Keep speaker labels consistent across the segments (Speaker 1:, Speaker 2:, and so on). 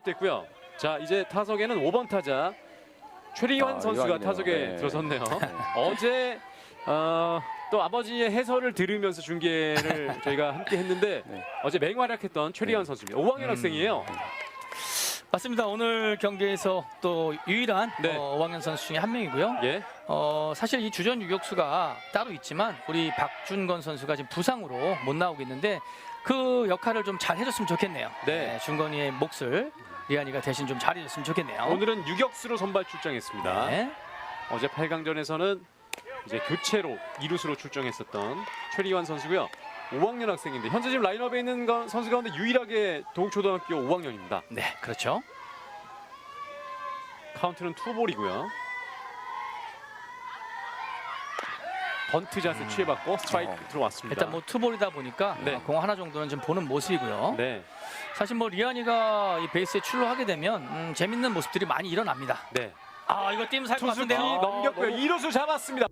Speaker 1: 스탑됐고요. 자, 이제 타석에는 5번 타자 최리환 선수가
Speaker 2: 이완이네요.
Speaker 1: 타석에
Speaker 2: 네.
Speaker 1: 들어섰네요. 어제 또 아버지의 해설을 들으면서 중계를 저희가 함께 했는데
Speaker 2: 네.
Speaker 1: 어제 맹활약했던 최리환 선수입니다. 5학년 학생이에요.
Speaker 3: 맞습니다. 오늘 경기에서 또 유일한
Speaker 1: 네.
Speaker 3: 5학년 선수 중에 한 명이고요.
Speaker 1: 예.
Speaker 3: 사실 이 주전 유격수가 따로 있지만 우리 박준건 선수가 지금 부상으로 못 나오고 있는데 그 역할을 좀 잘 해줬으면 좋겠네요.
Speaker 1: 네.
Speaker 3: 준건이의 몫을 리안이가 대신 좀 잘해줬으면 좋겠네요.
Speaker 1: 오늘은 유격수로 선발 출장했습니다.
Speaker 3: 네.
Speaker 1: 어제 8강전에서는 이제 교체로 이루수로 출정했었던 최리환 선수고요. 5학년 학생인데 현재 지금 라인업에 있는 선수 가운데 유일하게 동초등학교 5학년입니다.
Speaker 3: 네, 그렇죠.
Speaker 1: 카운트는 투볼이고요. 번트 자세 취해받고 스트라이크 들어왔습니다.
Speaker 3: 일단 뭐 투볼이다 보니까
Speaker 1: 네.
Speaker 3: 공 하나 정도는 좀 보는 모습이고요.
Speaker 1: 네,
Speaker 3: 사실 뭐 리안이가 이 베이스에 출루하게 되면 재밌는 모습들이 많이 일어납니다.
Speaker 1: 네.
Speaker 3: 아, 이거 띄면 살 것
Speaker 1: 투수기
Speaker 3: 같은데요.
Speaker 1: 넘겼고요. 이루수 잡았습니다.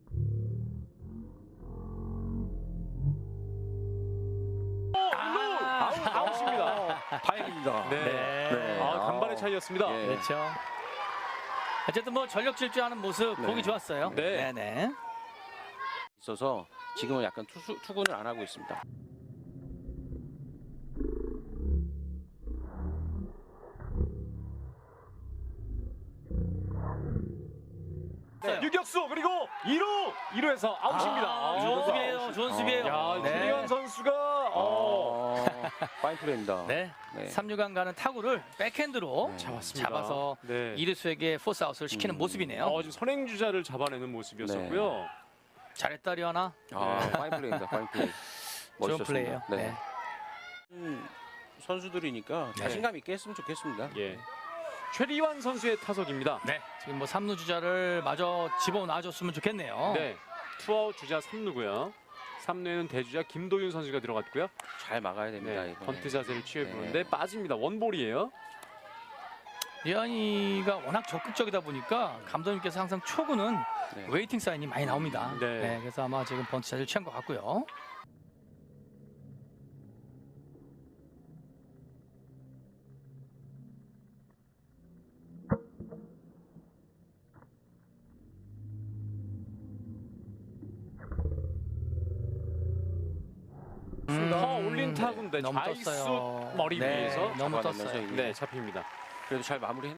Speaker 1: 아웃입니다.
Speaker 2: 다행입니다.
Speaker 1: 네.
Speaker 2: 네.
Speaker 1: 간발의 차이였습니다.
Speaker 2: 예.
Speaker 3: 그렇죠. 어쨌든 뭐 전력 질주하는 모습
Speaker 2: 네.
Speaker 3: 보기 좋았어요.
Speaker 1: 네.
Speaker 3: 네.
Speaker 2: 있어서 지금은 약간 투구는 안 하고 있습니다.
Speaker 1: 네. 유격수 그리고 2루에서 아웃입니다.
Speaker 3: 좋은 수비예요. 좋은 수비예요.
Speaker 1: 야,
Speaker 3: 네.
Speaker 1: 최리환 선수가
Speaker 2: 파인 플레이입니다.
Speaker 3: 네.
Speaker 2: 네.
Speaker 3: 3루간 가는 타구를 백핸드로
Speaker 2: 네.
Speaker 1: 잡았습니다.
Speaker 3: 잡아서
Speaker 1: 네.
Speaker 3: 이루수에게 포스 아웃을 시키는 모습이네요.
Speaker 1: 지금 선행주자를 잡아내는 모습이었었고요.
Speaker 3: 잘했다 리안아.
Speaker 2: 파인 플레이입니다. 파인 플레이.
Speaker 3: 좋은
Speaker 2: 멋있었습니다.
Speaker 3: 플레이예요.
Speaker 2: 네. 선수들이니까
Speaker 3: 네.
Speaker 2: 자신감 있게 했으면 좋겠습니다.
Speaker 1: 예. 최리환 선수의 타석입니다.
Speaker 3: 네. 지금 뭐 3루 주자를 마저 집어넣어줬으면 좋겠네요.
Speaker 1: 네. 투아웃 주자 3루고요. 3루에는 대주자 김도윤 선수가 들어갔고요.
Speaker 2: 잘 막아야 됩니다.
Speaker 1: 네.
Speaker 2: 이번에.
Speaker 1: 번트 자세를 취해
Speaker 2: 네.
Speaker 1: 보는데 빠집니다. 원볼이에요.
Speaker 3: 리안이가 워낙 적극적이다 보니까 감독님께서 항상 초구는
Speaker 2: 네.
Speaker 3: 웨이팅 사인이 많이 나옵니다.
Speaker 1: 네.
Speaker 3: 그래서 아마 지금 번트 자세를 취한 것 같고요.
Speaker 1: 올린 타구인데
Speaker 3: 너무
Speaker 1: 좌익수
Speaker 3: 떴어요.
Speaker 1: 머리
Speaker 3: 네,
Speaker 1: 위에서
Speaker 3: 너무
Speaker 2: 잡아내면서
Speaker 3: 떴어요.
Speaker 2: 이제
Speaker 1: 네, 잡힙니다.
Speaker 2: 그래도 잘 마무리했.